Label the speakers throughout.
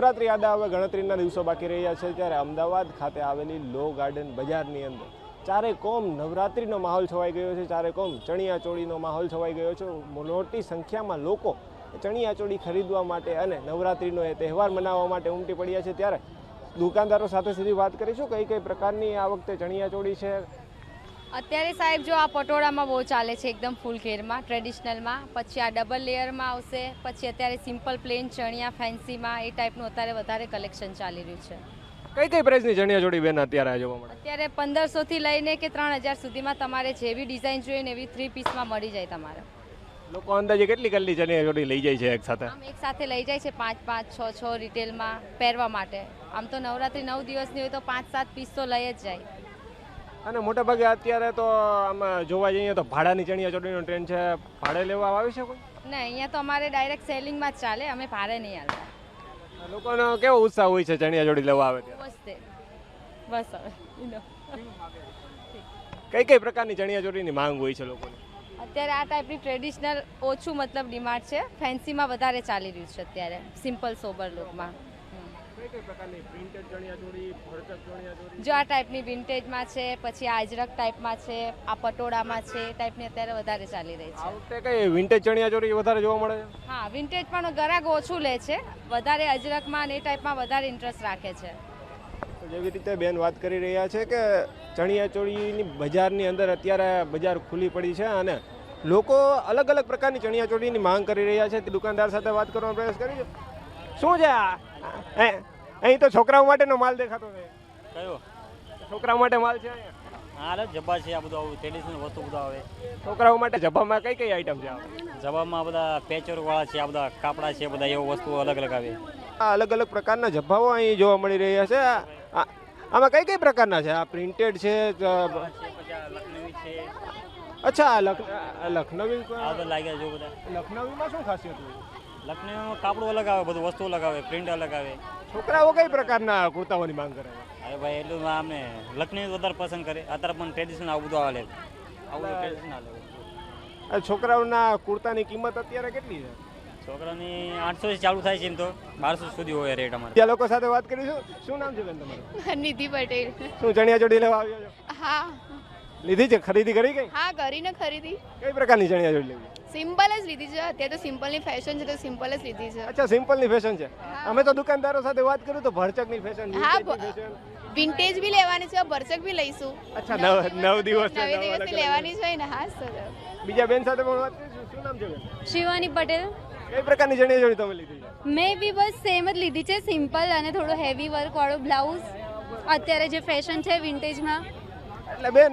Speaker 1: નવરાત્રી આડા હવે ગણતરીના દિવસો બાકી રહ્યા છે ત્યારે અમદાવાદ ખાતે આવેલી લો ગાર્ડન બજારની અંદર ચારે કોમ નવરાત્રીનો માહોલ છવાઈ ગયો છે. ચારે કોમ ચણિયાચોળીનો માહોલ છવાઈ ગયો છે. મોટી સંખ્યામાં લોકો ચણિયાચોળી ખરીદવા માટે અને નવરાત્રીનો એ તહેવાર મનાવવા માટે ઉમટી પડ્યા છે. ત્યારે દુકાનદારો સાથે સીધી વાત કરીશું કઈ કઈ પ્રકારની આ વખતે ચણિયાચોળી છે.
Speaker 2: અત્યારે સાહેબ જો આ પટોળામાં બહુ ચાલે છે, એકદમ ફૂલ ઘેરમાં ટ્રેડિશનલમાં, પછી આ ડબલ લેયરમાં આવશે, પછી અત્યારે સિમ્પલ પ્લેન ચણિયા ફેન્સીમાં એ ટાઈપનું અત્યારે વધારે કલેક્શન ચાલી રહ્યું છે.
Speaker 1: કઈ કઈ પ્રાઇસની ચણિયાચોળી બેન અત્યારે જોવા મળે?
Speaker 2: અત્યારે 1500 થી લઈને કે 3000 સુધીમાં તમારે જેવી ડિઝાઇન જોઈએ ને એવી 3 પીસમાં મળી જાય તમારે.
Speaker 1: લોકો અંદાજે કેટલી કેટલી ચણિયાચોળી લઈ જાય છે એક સાથે?
Speaker 2: આમ એક સાથે લઈ જાય છે 5-5, 6-6 રિટેલમાં પહેરવા માટે. આમ તો નવરાત્રી 9 દિવસની હોય તો 5-7 પીસ તો લઈ જ જાય.
Speaker 1: અને મોટા ભાગે અત્યારે તો આમાં જોવા જઈએ તો ભાડાની ચણિયાચોળીનો ટ્રેન્ડ છે. ભાડે લેવા આવે છે કોઈ?
Speaker 2: ના, અહીંયા તો અમારે ડાયરેક્ટ સેલિંગમાં જ ચાલે, અમે ભાડે નહીં હાલતા.
Speaker 1: લોકોનો કેવો ઉત્સાહ હોય છે ચણિયાચોળી લેવા આવે ત્યારે?
Speaker 2: બસ હવે
Speaker 1: કઈ કઈ પ્રકારની ચણિયાચોળીની માંગ હોય છે લોકોની?
Speaker 2: અત્યારે આ ટાઈપની ટ્રેડિશનલ ઓછું મતલબ ડિમાન્ડ છે, ફેન્સીમાં વધારે ચાલી રહ્યું છે અત્યારે, સિમ્પલ સોબર લુકમાં.
Speaker 1: કઈ કઈ પ્રકારની પ્રિન્ટેડ ચણિયાચોળી, ભરચક ચણિયાચોળી?
Speaker 2: જો આ ટાઈપની વિન્ટેજમાં છે, પછી આ અજરક ટાઈપમાં છે, આ પટોળામાં છે, એ ટાઈપની અત્યારે વધારે ચાલી રહી
Speaker 1: આ
Speaker 2: છે.
Speaker 1: વખતે કઈ વિન્ટેજ ચણિયાચોળી વધારે જોવા મળે છે?
Speaker 2: હા, વિન્ટેજ પણ ગ્રાહક ઓછું લે છે, વધારે અજરકમાં અને એ ટાઈપમાં વધારે ઇન્ટરેસ્ટ રાખે છે.
Speaker 1: જેવી રીતે બેન વાત કરી રહ્યા છે કે ચણિયાચોળીની બજારની અંદર અત્યારે બજાર ખુલ્લી પડી છે અને લોકો અલગ અલગ પ્રકારની ચણિયાચોળીની માંગ કરી રહ્યા છે. દુકાનદાર સાથે વાત કરવાનો પ્રયાસ કરીએ. શું છે આ? અહીં તો છોકરાઓ માટેનો માલ દેખાતો છે.
Speaker 3: કયો?
Speaker 1: છોકરાઓ માટે માલ છે અહીંયા?
Speaker 3: હા રે જબ્બા છે, આ બધું આવું ટ્રેડિશનલ વસ્તુ બધું આવે.
Speaker 1: છોકરાઓ માટે જબ્બામાં કઈ કઈ આઈટમ છે?
Speaker 3: જબ્બામાં બધા પેચવર્ક વાળા છે, આ બધા કાપડા છે, બધા એવો વસ્તુ અલગ અલગ આવે.
Speaker 1: આ અલગ અલગ પ્રકારના જબ્બાઓ અહીં જોવા મળી રહ્યા છે. આમાં કઈ કઈ પ્રકારના છે? આ પ્રિન્ટેડ છે?
Speaker 3: લખનવી છે.
Speaker 1: અચ્છા, લખનવી
Speaker 3: આ બધા લાગ્યા જો બધા.
Speaker 1: લખનવીમાં શું ખાસિયત હોય?
Speaker 3: લખનવીમાં કાપડું અલગ આવે, બધું વસ્તુ અલગ આવે, પ્રિન્ટ અલગ આવે.
Speaker 1: છોકરાઓ કઈ પ્રકારના કુર્તાઓની માંગ કરે છે?
Speaker 3: અરે ભાઈ એટલું અમને લખનવી વધારે પસંદ કરે. અત્યારે પણ ટ્રેડિશનલ આવું બધું આવે, આવું ટ્રેડિશનલ આવે.
Speaker 1: છોકરાઓના કુર્તાની કિંમત અત્યારે કેટલી છે?
Speaker 3: છોકરાની 800 થી ચાલુ થાય છે, એમ તો 1200 સુધી હોય રેટ અમારે.
Speaker 1: ત્યાં લોકો સાથે વાત કરીશું. શું નામ છે બેન તમારું?
Speaker 4: નિધિ પટેલ.
Speaker 1: શું ચણિયાચોળી લેવા આવ્યો છો?
Speaker 4: હા
Speaker 1: લીધી છે? ખરીદી કરી કઈ?
Speaker 4: હા, કરીને ખરીદી.
Speaker 1: કઈ પ્રકારની ચણિયાચોળી લેવી?
Speaker 4: સિમ્પલ જ લીધી છે, અત્યારે તો સિમ્પલની ફેશન છે તો સિમ્પલ જ લીધી છે.
Speaker 1: અચ્છા, સિમ્પલની ફેશન છે. અમે તો દુકાનદારો સાથે વાત કરું તો ભરચકની ફેશન,
Speaker 4: હા,
Speaker 1: વિન્ટેજની ફેશન.
Speaker 4: વિન્ટેજ બી લેવાની છે, ભરચક બી લઈશું.
Speaker 1: અચ્છા, 9 દિવસ
Speaker 4: નવે દિવસની લેવાની છે ને. હા સર.
Speaker 1: બીજા બેન સાથે પણ વાત કરીશું. શું નામ છે બેન?
Speaker 5: શિવાની પટેલ.
Speaker 1: કઈ પ્રકારની ચણિયાચોળી તમે લીધી છે?
Speaker 5: મેં બી બસ સેમ જ લીધી છે, સિમ્પલ અને થોડો હેવી વર્ક વાળો બ્લાઉઝ. અત્યારે જે ફેશન છે વિન્ટેજમાં.
Speaker 1: એટલે બેન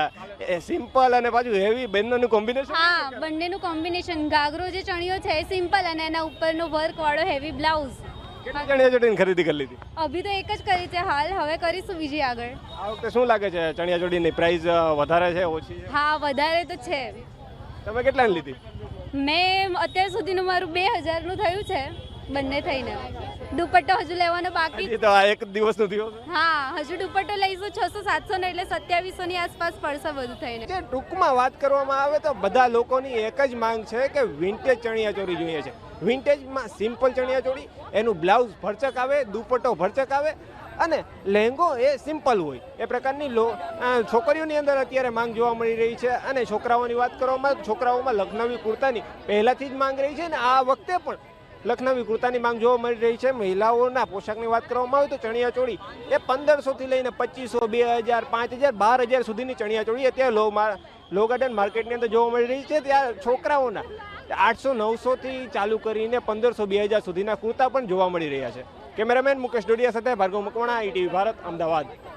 Speaker 1: સિમ્પલ અને પાછું હેવી બંનેનું કોમ્બિનેશન?
Speaker 5: હા, બંનેનું કોમ્બિનેશન. ઘાઘરો જે ચણિયો છે એ સિમ્પલ અને એના ઉપરનો વર્ક વાળો હેવી બ્લાઉઝ.
Speaker 1: કેટલી ચણિયાચોળીની ખરીદી કરી લીધી?
Speaker 5: અભી તો એક જ કરી છે હાલ, હવે કરીશું બીજી આગળ.
Speaker 1: આ વખતે શું લાગે છે ચણિયાચોળીની પ્રાઇસ વધારે છે, ઓછી છે?
Speaker 5: હા, વધારે તો છે.
Speaker 1: તમે કેટલાની લીધી?
Speaker 5: મેં અત્યાર સુધીનું મારું 2000નું થયું છે બંને થઈને. દુપટ્ટો હજુ લેવાનો બાકી.
Speaker 1: હજી તો આ એક દિવસનો થયો છે.
Speaker 5: હા, હજુ દુપટ્ટો લઈશું 600-700 ને, એટલે 2700 ની આસપાસ પડશે બધું થઈને.
Speaker 1: જે ટૂંકમાં વાત કરવામાં આવે તો બધા લોકોની એક જ માંગ છે કે વિન્ટેજ ચણિયાચોળી જોઈએ છે. વિન્ટેજમાં સિમ્પલ ચણિયાચોળી, એનું બ્લાઉઝ ભરચક આવે, દુપટ્ટો ભરચક આવે અને લહેંગો એ સિમ્પલ હોય. એ પ્રકારની છોકરીઓની અંદર અત્યારે માંગ જોવા મળી રહી છે. અને છોકરાઓની વાત કરવામાં છોકરાઓમાં લખનવી કુર્તાની પહેલાથી જ માંગ રહી છે અને આ વખતે પણ લખનવી કુર્તાની માંગ જોવા મળી રહી છે. મહિલાઓના પોશાકની વાત કરવામાં આવે તો ચણિયાચોળી એ 1500 થી લઈને 2500, 2000, 5000, 12000 સુધીની ચણિયાચોળી અત્યારે લો ગાર્ડન માર્કેટની અંદર જોવા મળી રહી છે. ત્યાં છોકરાઓના 800-900 થી ચાલુ કરીને 1500-2000 સુધીના કુર્તા પણ જોવા મળી રહ્યા છે. કેમેરામેન મુકેશ ડોડિયા સાથે ભાર્ગવ મકવાણા, ITV ભારત, અમદાવાદ.